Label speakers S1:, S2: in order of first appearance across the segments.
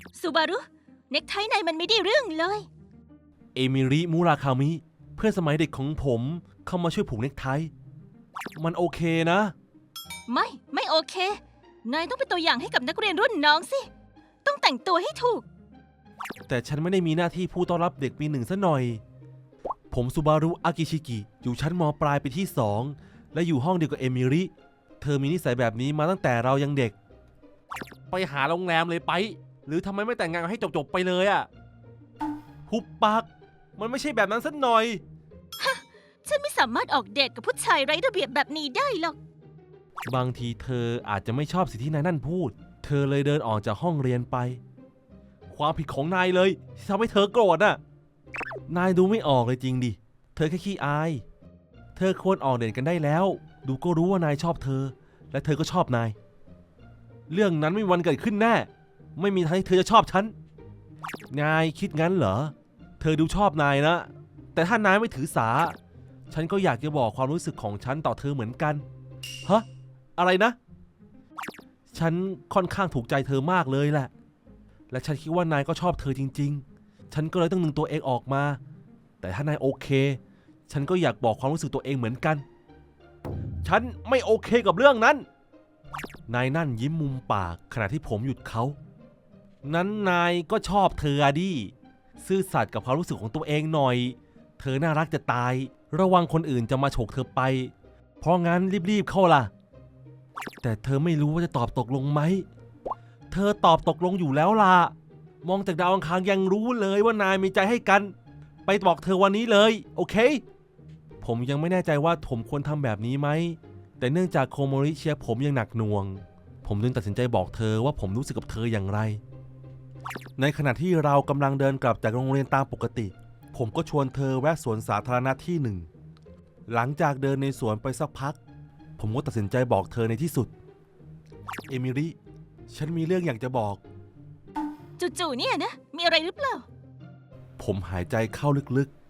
S1: ซูบารุเน็กไทนายมันไม่ได้เรื่องเลย
S2: เอมิริมูราคามิเพื่อนสมัยเด็กของผมเข้ามาช่วยผูกเน็กไทมันโอเคนะ
S1: ไม่โอเคนายต้องเป็นตัวอย่างให้กับนักเรียนรุ่นน้องสิต้องแต่งตัวให้ถูก
S2: แต่ฉันไม่ได้มีหน้าที่ผู้ต้อนรับเด็กปี 1ซะหน่อยผมซูบารุอากิชิกิอยู่ชั้นม.ปลายปีที่ 2และอยู่ห้องเดียวกับเอมิริเธอมีนิสัยแบบนี้มาตั้งแต่เรายังเด็กไปหาโรงแรมเลยไปหรือทำไมไม่แต่งงานกันให้จบๆไปเลยอะหุบปากมันไม่ใช่แบบนั้นสักหน่อย
S1: ฉันไม่สามารถออกเดทกับผู้ชายไร้ระเบียบแบบนี้ได้หรอก
S2: บางทีเธออาจจะไม่ชอบสิ่งที่นายนั่นพูดเธอเลยเดินออกจากห้องเรียนไปความผิดของนายเลยที่ทำให้เธอโกรธน่ะนายดูไม่ออกเลยจริงดิเธอแค่ขี้อายเธอควรออกเดทกันได้แล้วดูก็รู้ว่านายชอบเธอและเธอก็ชอบนายเรื่องนั้นไม่มีวันเกิดขึ้นแน่ไม่มีทางที่เธอจะชอบฉันนายคิดงั้นเหรอเธอดูชอบนายนะแต่ถ้านายไม่ถือสาฉันก็อยากจะบอกความรู้สึกของฉันต่อเธอเหมือนกันฮะอะไรนะฉันค่อนข้างถูกใจเธอมากเลยแหละและฉันคิดว่านายก็ชอบเธอจริงๆฉันก็เลยต้องดึงตัวเองออกมาแต่ถ้านายโอเคฉันก็อยากบอกความรู้สึกตัวเองเหมือนกันฉันไม่โอเคกับเรื่องนั้นนายนั่นยิ้มมุมปากขณะที่ผมหยุดเขานั้นนายก็ชอบเธอดิซื่อสัตย์กับความรู้สึกของตัวเองหน่อยเธอน่ารักจะตายระวังคนอื่นจะมาฉกเธอไปเพราะงั้นรีบๆเข้าล่ะแต่เธอไม่รู้ว่าจะตอบตกลงไหมเธอตอบตกลงอยู่แล้วล่ะมองจากดาวอังคารยังรู้เลยว่านายมีใจให้กันไปบอกเธอวันนี้เลยโอเคผมยังไม่แน่ใจว่าผมควรทำแบบนี้ไหมแต่เนื่องจากโคโมริเชียผมยังหนักหน่วงผมจึงตัดสินใจบอกเธอว่าผมรู้สึกกับเธออย่างไรในขณะที่เรากำลังเดินกลับจากโรงเรียนตามปกติผมก็ชวนเธอแวะสวนสาธารณะที่หนึ่งหลังจากเดินในสวนไปสักพักผมก็ตัดสินใจบอกเธอในที่สุดเอมิริฉันมีเรื่องอยากจะบอก
S1: จู่ๆเนี่ยนะมีอะไรหรือเปล่า
S2: ผมหายใจเข้าลึก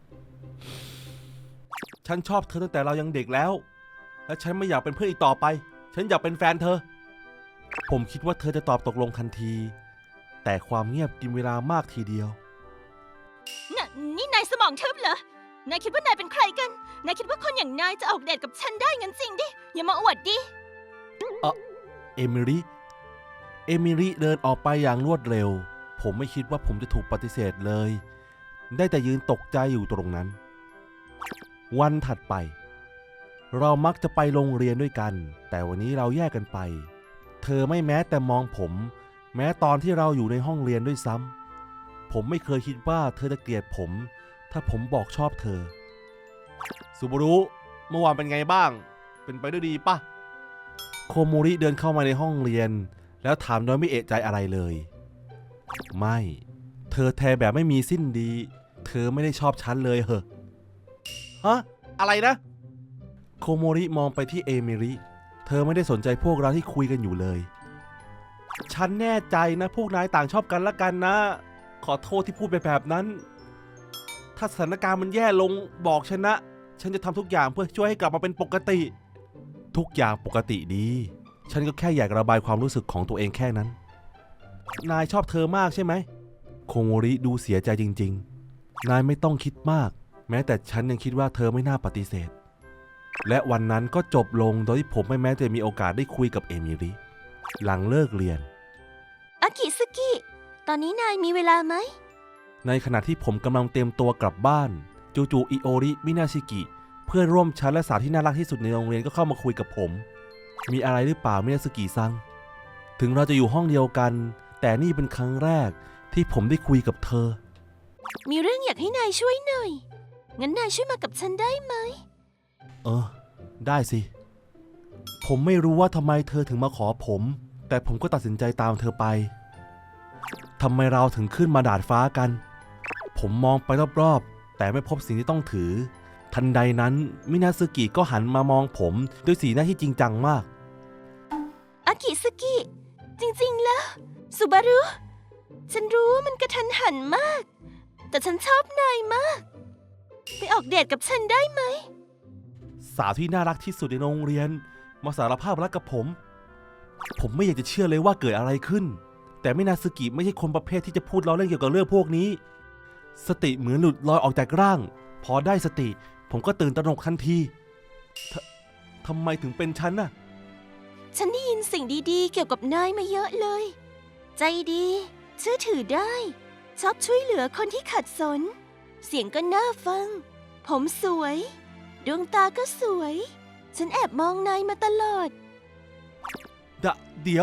S2: ๆฉันชอบเธอตั้งแต่เรายังเด็กแล้วและฉันไม่อยากเป็นเพื่อนอีกต่อไปฉันอยากเป็นแฟนเธอผมคิดว่าเธอจะตอบตกลงทันทีแต่ความเงียบกินเวลามากทีเดียว
S1: นี่นายสมองทึบเหรอ นายคิดว่านายเป็นใครกัน นายคิดว่าคนอย่างนายจะออกเดทกับฉันได้งั้นจริงดิ อย่ามาอวดดิ
S2: เอมิริเดินออกไปอย่างรวดเร็วผมไม่คิดว่าผมจะถูกปฏิเสธเลยได้แต่ยืนตกใจอยู่ตรงนั้นวันถัดไปเรามักจะไปโรงเรียนด้วยกันแต่วันนี้เราแยกกันไปเธอไม่แม้แต่มองผมแม้ตอนที่เราอยู่ในห้องเรียนด้วยซ้ำผมไม่เคยคิดว่าเธอจะเกลียดผมถ้าผมบอกชอบเธอซูบารุเมื่อวานเป็นไงบ้างเป็นไปด้วยดีปะโคโมริเดินเข้ามาในห้องเรียนแล้วถามโดยไม่เอะใจอะไรเลยไม่เธอแทแบบไม่มีสิ้นดีเธอไม่ได้ชอบฉันเลยเหรอฮะอะไรนะโคโมริมองไปที่เอมิริเธอไม่ได้สนใจพวกเราที่คุยกันอยู่เลยฉันแน่ใจนะพวกนายต่างชอบกันละกันนะขอโทษที่พูดไปแบบนั้นถ้าสถานการณ์มันแย่ลงบอกฉันนะฉันจะทำทุกอย่างเพื่อช่วยให้กลับมาเป็นปกติทุกอย่างปกติดีฉันก็แค่อยากระบายความรู้สึกของตัวเองแค่นั้นนายชอบเธอมากใช่ไหมโคโมริดูเสียใจจริงๆนายไม่ต้องคิดมากแม้แต่ฉันยังคิดว่าเธอไม่น่าปฏิเสธและวันนั้นก็จบลงโดยที่ผมไม่แม้จะมีโอกาสได้คุยกับเอมิริหลังเลิกเรียน
S1: อากิสกิ ตอนนี้นายมีเวลาไหม
S2: ในขณะที่ผมกำลังเตรียมตัวกลับบ้านจู่ๆอิโอริมินาชิกิเพื่อนร่วมชั้นและสาวที่น่ารักที่สุดในโรงเรียนก็เข้ามาคุยกับผมมีอะไรหรือเปล่ามินาชิกิซังถึงเราจะอยู่ห้องเดียวกันแต่นี่เป็นครั้งแรกที่ผมได้คุยกับเธอ
S1: มีเรื่องอยากให้นายช่วยหน่อย งั้นนายช่วยมากับฉันได้ไหม
S2: ได้สิผมไม่รู้ว่าทำไมเธอถึงมาขอผมแต่ผมก็ตัดสินใจตามเธอไปทำไมเราถึงขึ้นมาดาดฟ้ากันผมมองไปรอบๆแต่ไม่พบสิ่งที่ต้องถือทันใดนั้นมินาซึกิก็หันมามองผมด้วยสีหน้าที่จริงจังมาก
S1: อากิสกิ จริงๆแล้วซูบารุฉันรู้ว่ามันกระทันหันมากแต่ฉันชอบนายมากไปออกเดทกับฉันได้ไหม
S2: สาวที่น่ารักที่สุดในโรงเรียนมาสารภาพรักกับผมไม่อยากจะเชื่อเลยว่าเกิดอะไรขึ้นแต่มินาซึกิไม่ใช่คนประเภทที่จะพูดล้อเล่นเกี่ยวกับเรื่องพวกนี้สติเหมือนหลุดลอยออกจากร่างพอได้สติผมก็ตื่นตระหนกทันทีทำไมถึงเป็นฉันน่ะ
S1: ฉันได้ยินสิ่งดีๆเกี่ยวกับนายมาเยอะเลย ใจดีเชื่อถือได้ชอบช่วยเหลือคนที่ขัดสนเสียงก็น่าฟังผมสวยดวงตาก็สวยฉันแอบมองนายมาตลอด
S2: เดี๋ยว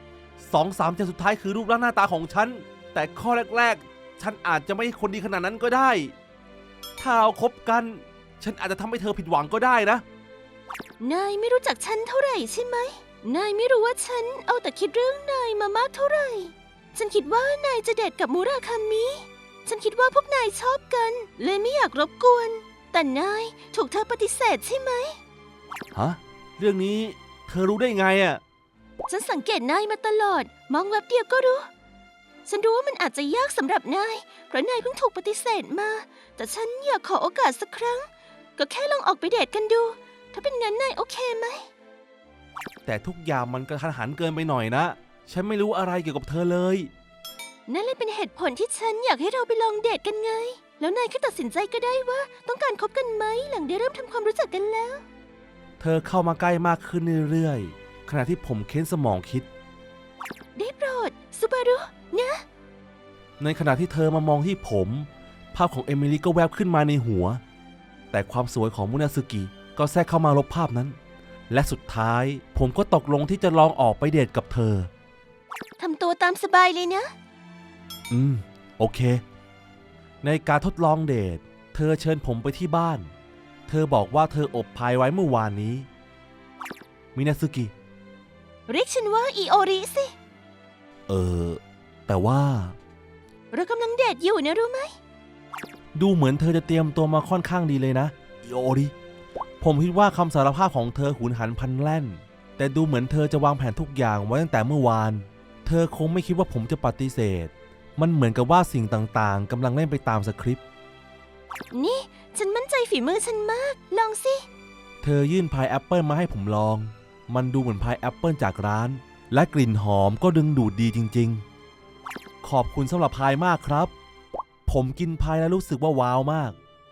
S2: 2-3 ใจสุดท้ายคือรูปร่างหน้าตาของฉันแต่ข้อแรกๆฉันอาจจะไม่ใช่คนดีขนาดนั้นก็ได้ถ้าเราคบกันฉันอาจจะทำให้เธอผิดหวังก็ได้นะ
S1: นายไม่รู้จักฉันเท่าไหร่ใช่ไหมนายไม่รู้ว่าฉันเอาแต่คิดเรื่องนายมามากเท่าไหร่ ฉันคิดว่านายจะเดทกับมูราคามิ ฉันคิดว่าพวกนายชอบกันเลยไม่อยากรบกวน แต่นายถูกเธอปฏิเสธใช่ไหม
S2: ฮะ เรื่องนี้เธอรู้ได้ไงอ่ะ
S1: ฉันสังเกตนายมาตลอด มองแวบเดียวก็รู้ ฉันรู้ว่ามันอาจจะยากสำหรับนาย เพราะนายเพิ่งถูกปฏิเสธมา แต่ฉันอยากขอโอกาสสักครั้ง ก็แค่ลองออกไปเดทกันดู ถ้าเป็นงั้นนายโอเคไหม
S2: แต่ทุกอย่างมันกระทันหันเกินไปหน่อยนะ ฉันไม่รู้อะไรเกี่ยวกับเธอเลย
S1: นั่นเลยเป็นเหตุผลที่ฉันอยากให้เราไปลองเดทกันไง แล้วนายก็ตัดสินใจก็ได้ว่าต้องการคบกันไหมหลังได้เริ่มทำความรู้จักกันแล้ว
S2: เธอเข้ามาใกล้มากขึ้นเรื่อยๆขณะที่ผมเค้นสมองคิด
S1: ได้โปรดซูบารุนะ
S2: ในขณะที่เธอมามองที่ผมภาพของเอมิลี่ก็แวบขึ้นมาในหัวแต่ความสวยของมุนาซึกิก็แทรกเข้ามาลบภาพนั้นและสุดท้ายผมก็ตกลงที่จะลองออกไปเดทกับเธอ
S1: ทำตัวตามสบายเลยนะ
S2: โอเคในการทดลองเดทเธอเชิญผมไปที่บ้านเธอบอกว่าเธออบพายไว้เมื่อวานนี้มินาซึกิ
S1: เรียกฉันว่าอิโอริสิ
S2: แต่ว่า
S1: เรากำลังเดทอยู่นะรู้ไหม
S2: ดูเหมือนเธอจะเตรียมตัวมาค่อนข้างดีเลยนะอิโอริผมคิดว่าคำสารภาพของเธอหุนหันพลันแล่นแต่ดูเหมือนเธอจะวางแผนทุกอย่างไว้ตั้งแต่เมื่อวานเธอคงไม่คิดว่าผมจะปฏิเสธมันเหมือนกับว่าสิ่งต่างๆกำลังเล่นไปตามสคริปต์
S1: นี่ฉันมั่นใจฝีมือฉันมาก ลองสิ
S2: เธอยื่นพายแอปเปิลมาให้ผมลองมันดูเหมือนพายแอปเปิลจากร้านและกลิ่นหอมก็ดึงดูดดีจริงๆขอบคุณสำหรับพายมากครับผมกินพายแล้วรู้สึกว่าว้าวมาก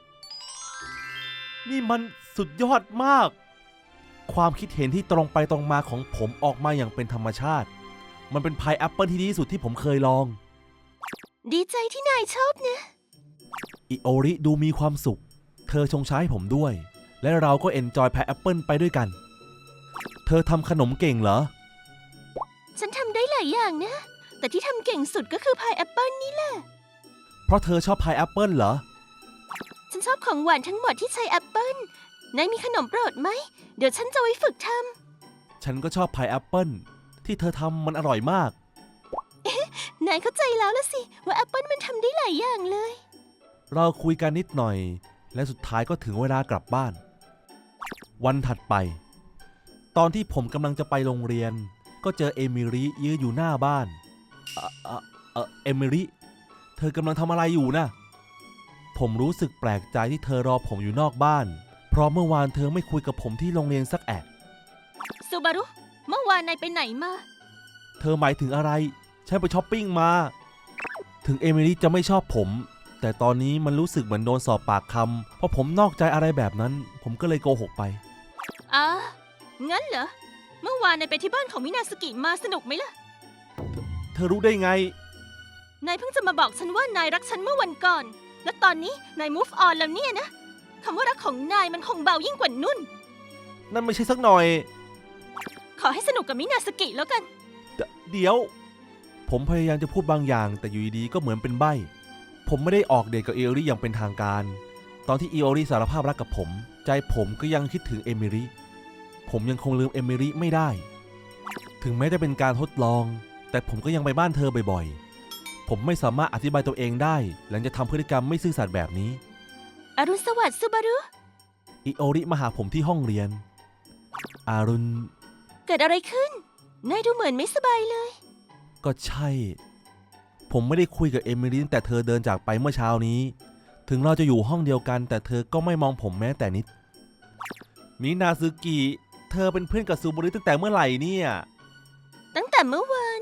S2: นี่มันสุดยอดมากความคิดเห็นที่ตรงไปตรงมาของผมออกมาอย่างเป็นธรรมชาติมันเป็นพายแอปเปิลที่ดีที่สุดที่ผมเคยลอง
S1: ดีใจที่นายชอบนะ
S2: อิโอริดูมีความสุขเธอชงชาให้ผมด้วยและเราก็เอนจอยพายแอปเปิลไปด้วยกันเธอทำขนมเก่งเหรอ
S1: ฉันทำได้หลายอย่างนะ แต่ที่ทำเก่งสุดก็คือพายแอปเปิลนี่แหละ
S2: เพราะเธอชอบพายแอปเปิลเหรอ
S1: ฉันชอบของหวานทั้งหมดที่ใช้แอปเปิลนายมีขนมโปรดไหม เดี๋ยวฉันจะไว้ฝึกทำ
S2: ฉันก็ชอบพายแอปเปิลที่เธอทำมันอร่อยมาก
S1: นายเข้าใจแล้วละสิ ว่าแอปเปิลมันทำได้หลายอย่างเลย
S2: เราคุยกันนิดหน่อยและสุดท้ายก็ถึงเวลากลับบ้าน วันถัดไป ตอนที่ผมกำลังจะไปโรงเรียนก็เจอเอมิลี่ยืนอยู่หน้าบ้านเอมิลี่เธอกำลังทำอะไรอยู่นะผมรู้สึกแปลกใจที่เธอรอผมอยู่นอกบ้านเพราะเมื่อวานเธอไม่คุยกับผมที่โรงเรียนสักแอะ
S1: ซูบารุ เมื่อวานนายไปไหนมา
S2: เธอหมายถึงอะไรฉันไปช้อปปิ้งมาถึงเอมิลี่จะไม่ชอบผมแต่ตอนนี้มันรู้สึกเหมือนโดนสอบปากคำเพราะผมนอกใจอะไรแบบนั้นผมก็เลยโกหกไป
S1: งั้นเหรอ เมื่อวานนายไปที่บ้านของมินาสกิมาสนุกไหมล่ะ
S2: เธอรู้ได้ไง
S1: นายเพิ่งจะมาบอกฉันว่านายรักฉันเมื่อวันก่อน และตอนนี้นาย move on แล้วเนี่ยนะ คำว่ารักของนายมันคงเบายิ่งกว่านุ่น
S2: นั่นไม่ใช่สักหน่อย
S1: ขอให้สนุกกับมินาสกิแล้วกัน
S2: เดี๋ยวผมพยายามจะพูดบางอย่างแต่อยู่ดีๆก็เหมือนเป็นใบ้ผมไม่ได้ออกเดทกับเอโอริอย่างเป็นทางการตอนที่เอโอริสารภาพรักกับผมใจผมก็ยังคิดถึงเอมิริผมยังคงลืมเอมิริไม่ได้ถึงแม้จะเป็นการทดลองแต่ผมก็ยังไปบ้านเธอบ่อยๆผมไม่สามารถอธิบายตัวเองได้หลังจากทำพฤติกรรมไม่ซื่อสัตย์แบบนี้
S1: อรุณสวัสดิ์ซูบารุ
S2: เอโอริมาหาผมที่ห้องเรียนอารุณ
S1: เกิดอะไรขึ้น นายดูเหมือนไม่สบายเลย
S2: ก็ใช่ผมไม่ได้คุยกับเอมิลี่ตั้งแต่เธอเดินจากไปเมื่อเช้านี้ถึงเราจะอยู่ห้องเดียวกันแต่เธอก็ไม่มองผมแม้แต่นิดมินาซึกิเธอเป็นเพื่อนกับซูบารุตั้งแต่เมื่อไหร่เนี่ย
S1: ตั้งแต่เมื่อวาน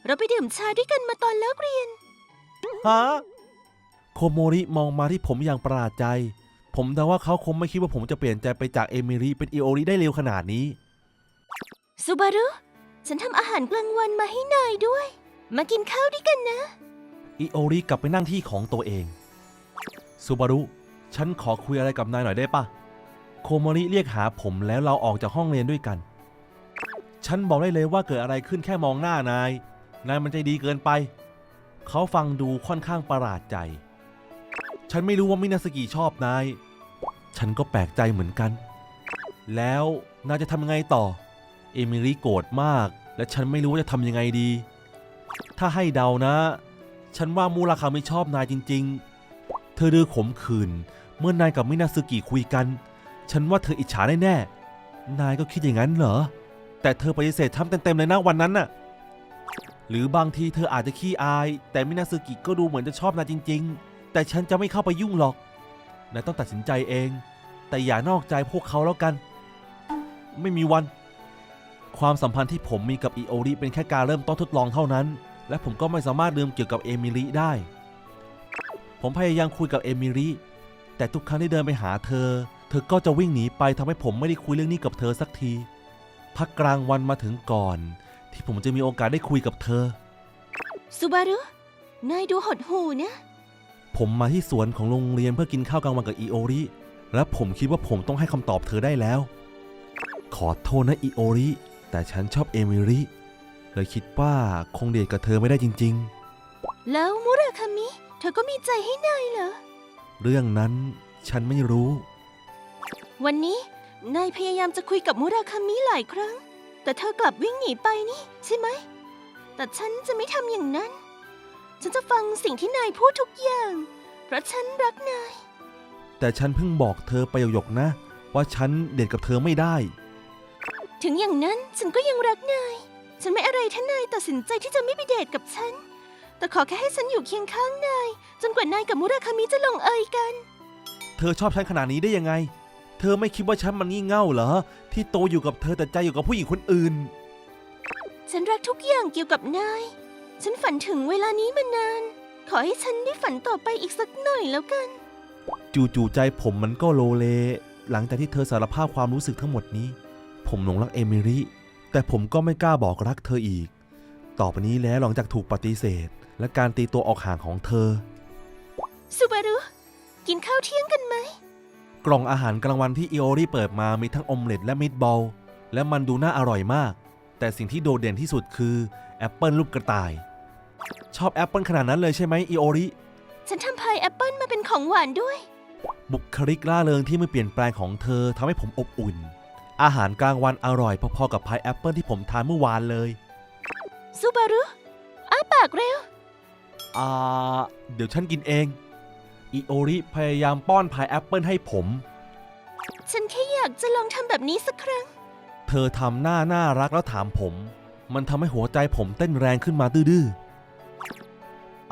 S1: เราไปดื่มชาด้วยกันมาตอนเลิกเรียน
S2: ฮะ โคโมริมองมาที่ผมอย่างประหลาดใจ ผมเดาว่าเขาคงไม่คิดว่าผมจะเปลี่ยนใจไปจากเอมิริเป็นอิโอริได้เร็วขนาดนี้
S1: ซูบารุ ฉันทำอาหารกลางวันมาให้นายด้วย มากินข้าวด้วยกันนะ
S2: อิโอริกลับไปนั่งที่ของตัวเองซูบารุ ฉันขอคุยอะไรกับนายหน่อยได้ปะโคโมริเรียกหาผมแล้วเราออกจากห้องเรียนด้วยกัน ฉันบอกได้เลยว่าเกิดอะไรขึ้นแค่มองหน้านายมันใจดีเกินไป เขาฟังดูค่อนข้างประหลาดใจ ฉันไม่รู้ว่ามินาสกิชอบนาย ฉันก็แปลกใจเหมือนกัน แล้วนายจะทำยังไงต่อ เอมิริโกรธมากและฉันไม่รู้ว่าจะทำยังไงดี ถ้าให้เดานะ ฉันว่ามูราคาไม่ชอบนายจริงๆ เธอดื้อขมขื่นเมื่อนายกับมินาสึกิคุยกัน ฉันว่าเธออิจฉาแน่ๆ นายก็คิดอย่างนั้นเหรอ แต่เธอปฏิเสธทำเต็มๆเลยนะวันนั้นน่ะ หรือบางทีเธออาจจะขี้อาย แต่มินาสึกิก็ดูเหมือนจะชอบนายจริงๆ แต่ฉันจะไม่เข้าไปยุ่งหรอก นายต้องตัดสินใจเอง แต่อย่านอกใจพวกเขาแล้วกัน ไม่มีวัน ความสัมพันธ์ที่ผมมีกับอิโอริเป็นแค่การเริ่มต้นทดลองเท่านั้น และผมก็ไม่สามารถลืมเกี่ยวกับเอมิริได้ ผมพยายามคุยกับเอมิริ แต่ทุกครั้งที่เดินไปหาเธอก็จะวิ่งหนีไปทำให้ผมไม่ได้คุยเรื่องนี้กับเธอสักที พักกลางวันมาถึงก่อน ที่ผมจะมีโอกาสได้คุยกับเธอ
S1: ซูบารุ นายดูหดหู่นะ
S2: ผมมาที่สวนของโรงเรียนเพื่อกินข้าวกลางวันกับอิโอริ และผมคิดว่าผมต้องให้คำตอบเธอได้แล้ว ขอโทษนะอิโอริ แต่ฉันชอบเอมิริ เลยคิดว่าคงเดทกับเธอไม่ได้จริงๆ
S1: แล้วมุราคามิ เธอก็มีใจให้นายเหรอ
S2: เรื่องนั้นฉันไม่รู้
S1: วันนี้นายพยายามจะคุยกับมุราคามิหลายครั้ง แต่เธอกลับวิ่งหนีไปนี่ใช่ไหม แต่ฉันจะไม่ทำอย่างนั้น ฉันจะฟังสิ่งที่นายพูดทุกอย่าง เพราะฉันรักนาย
S2: แต่ฉันเพิ่งบอกเธอไปหยกๆนะ ว่าฉันเดทกับเธอไม่ได้
S1: ถึงอย่างนั้นฉันก็ยังรักนาย ฉันไม่อะไรถ้านายตัดสินใจที่จะไม่ไปเดทกับฉัน แต่ขอแค่ให้ฉันอยู่เคียงข้างนายจนกว่านายกับมุราคามิจะลงเอยกัน
S2: เธอชอบฉันขนาดนี้ได้ยังไง เธอไม่คิดว่าฉันมันงี่เง่าเหรอ ที่โตอยู่กับเธอแต่ใจอยู่กับผู้หญิงคนอื่น
S1: ฉันรักทุกอย่างเกี่ยวกับนาย ฉันฝันถึงเวลานี้มานาน ขอให้ฉันได้ฝันต่อไปอีกสักหน่อยแล้วกัน
S2: จู่ๆใจผมมันก็โลเล หลังจากที่เธอสารภาพความรู้สึกทั้งหมดนี้ ผมหลงรักเอมิริ แต่ผมก็ไม่กล้าบอกรักเธออีก ต่อไปนี้แล้วหลังจากถูกปฏิเสธ และการตีตัวออกห่างของเธอ
S1: ซูบารุ กินข้าวเที่ยงกันไหม
S2: กล่องอาหารกลางวันที่อิโอริเปิดมามีทั้งออมเล็ตและมิตบอลและมันดูน่าอร่อยมาก แต่สิ่งที่โดดเด่นที่สุดคือแอปเปิลรูปกระต่าย ชอบแอปเปิลขนาดนั้นเลยใช่ไหมอิโอริ
S1: ฉันทำพายแอปเปิลมาเป็นของหวานด้วย
S2: บุคลิกร่าเริงที่ไม่เปลี่ยนแปลงของเธอทำให้ผมอบอุ่น อาหารกลางวันอร่อยพอๆกับพายแอปเปิลที่ผมทานเมื่อวานเลย
S1: ซูบารุ อ้าปากเร็ว
S2: เดี๋ยวฉันกินเองอิโอริพยายามป้อนพายแอปเปิลให้ผม
S1: ฉันแค่อยากจะลองทำแบบนี้สักครั้ง
S2: เธอทำหน้าน่ารักแล้วถามผม มันทำให้หัวใจผมเต้นแรงขึ้นมาดื้อๆ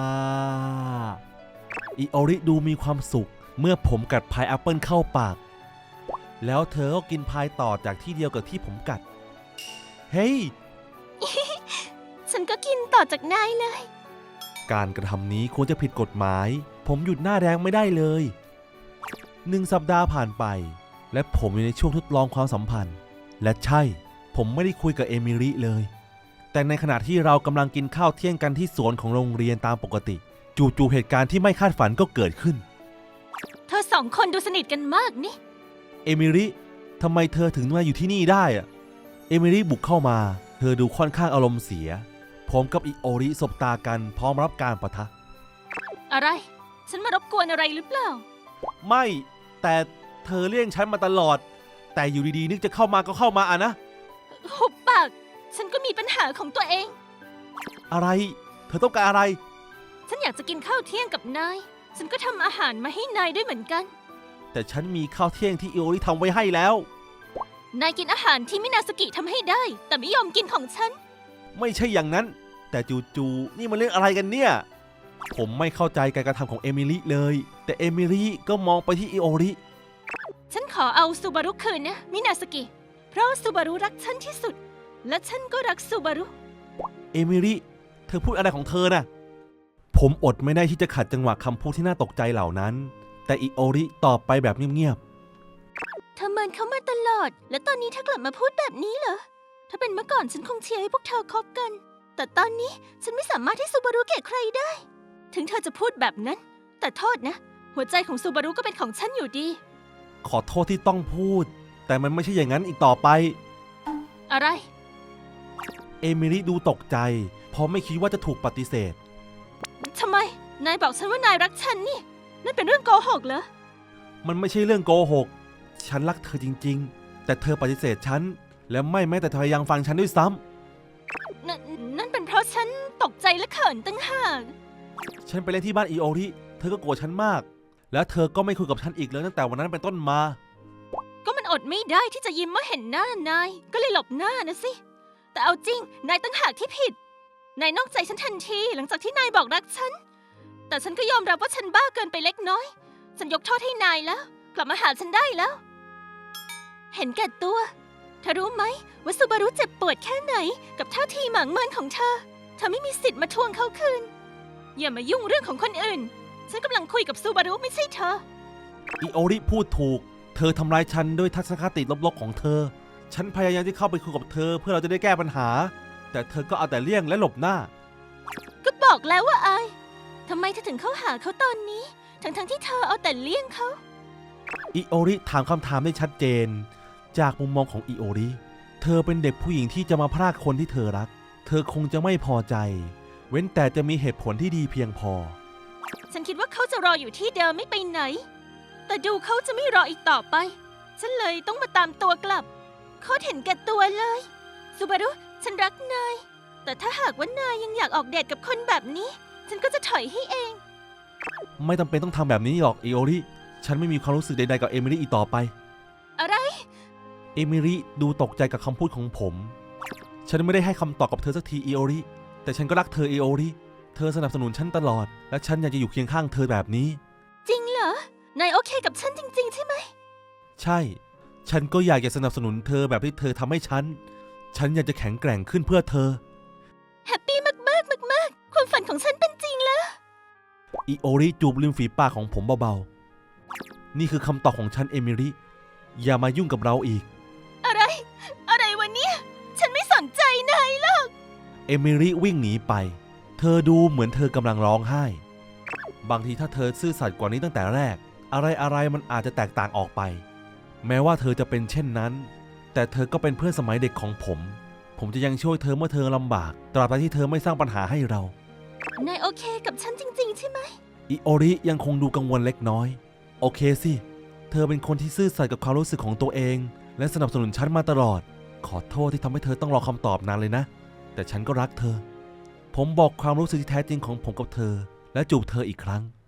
S2: อิโอริดูมีความสุขเมื่อผมกัดพายแอปเปิลเข้าปาก แล้วเธอก็กินพายต่อจากที่เดียวกับที่ผมกัด เฮ้ย
S1: ฉันก็กินต่อจากนายเลย
S2: การกระทำนี้ควรจะผิดกฎหมาย ผมหยุดหน้าแดงไม่ได้เลย 1 สัปดาห์ผ่านไป และผมอยู่ในช่วงทดลองความสัมพันธ์ และใช่ ผมไม่ได้คุยกับเอมิริเลย แต่ในขณะที่เรากำลังกินข้าวเที่ยงกันที่สวนของโรงเรียนตามปกติ จู่ๆเหตุการณ์ที่ไม่คาดฝันก็เกิดขึ้น
S1: เธอสองคนดูสนิทกันมากนี่
S2: เอมิริทำไมเธอถึงมาอยู่ที่นี่ได้อะเอมิริบุกเข้ามา เธอดูค่อนข้างอารมณ์เสีย ผมกับอิโอริสบตากันพร้อมรับการปะทะ
S1: อะไร ฉันมารบกวนอะไรหรือเปล่า
S2: ไม่ แต่เธอเลี่ยงฉันมาตลอด แต่อยู่ดีๆนึกจะเข้ามาก็เข้ามาอะนะ
S1: หุบปาก ฉันก็มีปัญหาของตัวเอง
S2: อะไร เธอต้องการอะไร
S1: ฉันอยากจะกินข้าวเที่ยงกับนาย ฉันก็ทำอาหารมาให้นายด้วยเหมือนกัน
S2: แต่ฉันมีข้าวเที่ยงที่อิโอริทำไว้ให้แล้ว
S1: นายกินอาหารที่มินาสกิทำให้ได้ แต่ไม่ยอมกินของฉัน
S2: ไม่ใช่อย่างนั้น แต่จู่ๆนี่มันเรื่องอะไรกันเนี่ย ผมไม่เข้าใจการกระทำของเอมิลิเลย แต่เอมิลิก็มองไปที่อิโอริ
S1: ฉันขอเอาซูบารุคืนนะมินาสกิ เพราะซูบารุรักฉันที่สุด และฉันก็รักซูบารุ
S2: เอมิลี่เธอพูดอะไรของเธอน่ะผมอดไม่ได้ที่จะขัดจังหวะคำพูดที่น่าตกใจเหล่านั้นแต่อิโอริตอบไปแบบเงียบ
S1: เธอเมินเขามาตลอด แล้วตอนนี้เธอกลับมาพูดแบบนี้เหรอ ถ้าเป็นเมื่อก่อนฉันคงเชียร์ให้พวกเธอคบกัน แต่ตอนนี้ฉันไม่สามารถที่ซูบารุแก่ใครได้ ถึงเธอจะพูดแบบนั้น แต่โทษนะ หัวใจของซูบารุก็เป็นของฉันอยู่ดี
S2: ๆขอโทษที่ต้องพูดแต่มันไม่ใช่อย่างนั้นอีกต่อไป
S1: อะไร
S2: เอมิลี่ดูตกใจเพราะไม่คิดว่าจะถูกปฏิเสธ
S1: ทำไม นายบอกฉันว่านายรักฉันนี่ นั่นเป็นเรื่องโกหกเหรอ
S2: มันไม่ใช่เรื่องโกหกฉันรักเธอจริงๆแต่เธอปฏิเสธฉันและไม่แม้แต่พยายามฟังฉันด้วยซ้ำ
S1: นั่นเป็นเพราะฉันตกใจและเขินตั้งหาก
S2: ฉันไปเล่นที่บ้านอิโอริเธอก็โกรธฉันมากและเธอก็ไม่คุยกับฉันอีกเลยตั้งแต่วันนั้นเป็นต้นมา
S1: ก็มันอดไม่ได้ที่จะยิ้มเมื่อเห็นหน้านาย ก็เลยหลบหน้านะสิ แต่เอาจริง นายตั้งหากที่ผิด นายนอกใจฉันทันทีหลังจากที่นายบอกรักฉัน แต่ฉันก็ยอมรับว่าฉันบ้าเกินไปเล็กน้อย ฉันยกโทษให้นายแล้ว กลับมาหาฉันได้แล้ว เห็นแก่ตัว เธอรู้ไหมว่าซูบารุเจ็บปวดแค่ไหนกับท่าทีหมางเมินของเธอ เธอไม่มีสิทธิ์มาทวงเขาคืน อย่ามายุ่งเรื่องของคนอื่น ฉันกำลังคุยกับซูบารุไม่ใช่เธอ
S2: อิโอริพูดถูกเธอทำร้ายฉันด้วยทัศนคติลบๆของเธอฉันพยายามที่เข้าไปคุยกับเธอเพื่อเราจะได้แก้ปัญหาแต่เธอก็เอาแต่เลี่ยงและหลบหน้า
S1: ก็บอกแล้วว่าอายทำไมเธอถึงเข้าหาเขาตอนนี้ ทั้งที่เธอเอาแต่เลี่ยงเขา
S2: อิโอริถามคำถามได้ชัดเจนจากมุมมองของอิโอริเธอเป็นเด็กผู้หญิงที่จะมาพรากคนที่เธอรักเธอคงจะไม่พอใจเว้นแต่จะมีเหตุผลที่ดีเพียงพอ
S1: ฉันคิดว่าเขาจะรออยู่ที่เดิมไม่ไปไหน แต่ดูเขาจะไม่รออีกต่อไป ฉันเลยต้องมาตามตัวกลับเขาเห็นแก่ตัวเลยซูบารุฉันรักนาย แต่ถ้าหากว่านายยังอยากออกเดทกับคนแบบนี้ ฉันก็จะถอยให้เอง
S2: ไม่จำเป็นต้องทำแบบนี้หรอกอิโอริฉันไม่มีความรู้สึกใดๆกับเอมิลี่อีกต่อไป
S1: อะไร
S2: เอมิลี่ดูตกใจกับคำพูดของผมฉันไม่ได้ให้คำตอบกับเธอสักทีอิโอริแต่ฉันก็รักเธออิโอริเธอสนับสนุนฉันตลอดและฉันอยากจะอยู่เคียงข้างเธอแบบนี้
S1: จริงเหรอ นายโอเคกับฉันจริงๆใช่ไหม
S2: ใช่ฉันก็อยากจะสนับสนุนเธอแบบที่เธอทำให้ฉันอยากจะแข็งแกร่งขึ้นเพื่อเธอ
S1: แฮปปี้มากๆมากๆความฝันของฉันเป็นจริงแล้ว
S2: อิโอริจูบริมฝีปากของผมเบาๆนี่คือคำตอบของฉันเอมิลี่อย่ามายุ่งกับเราอีก
S1: อะไรวะเนี่ย ฉันไม่สนใจนายหรอก
S2: เอมิลี่วิ่งหนีไปเธอดูเหมือนเธอกำลังร้องไห้บางทีถ้าเธอซื่อสัตย์กว่านี้ตั้งแต่แรกอะไรมันอาจจะแตกต่างออกไปแม้ว่าเธอจะเป็นเช่นนั้นแต่เธอก็เป็นเพื่อนสมัยเด็กของผมจะยังช่วยเธอเมื่อเธอลำบากตราบใดที่เธอไม่สร้างปัญหาให้เรา
S1: นายโอเคกับฉันจริงๆใช่ไหม
S2: อิโอริยังคงดูกังวลเล็กน้อยโอเคสิเธอเป็นคนที่ซื่อสัตย์กับความรู้สึกของตัวเองและสนับสนุนฉันมาตลอดขอโทษที่ทำให้เธอต้องรอคำตอบนานเลยนะแต่ฉันก็รักเธอผมบอกความรู้สึกที่แท้จริงของผมกับเธอและจูบเธออีกครั้ง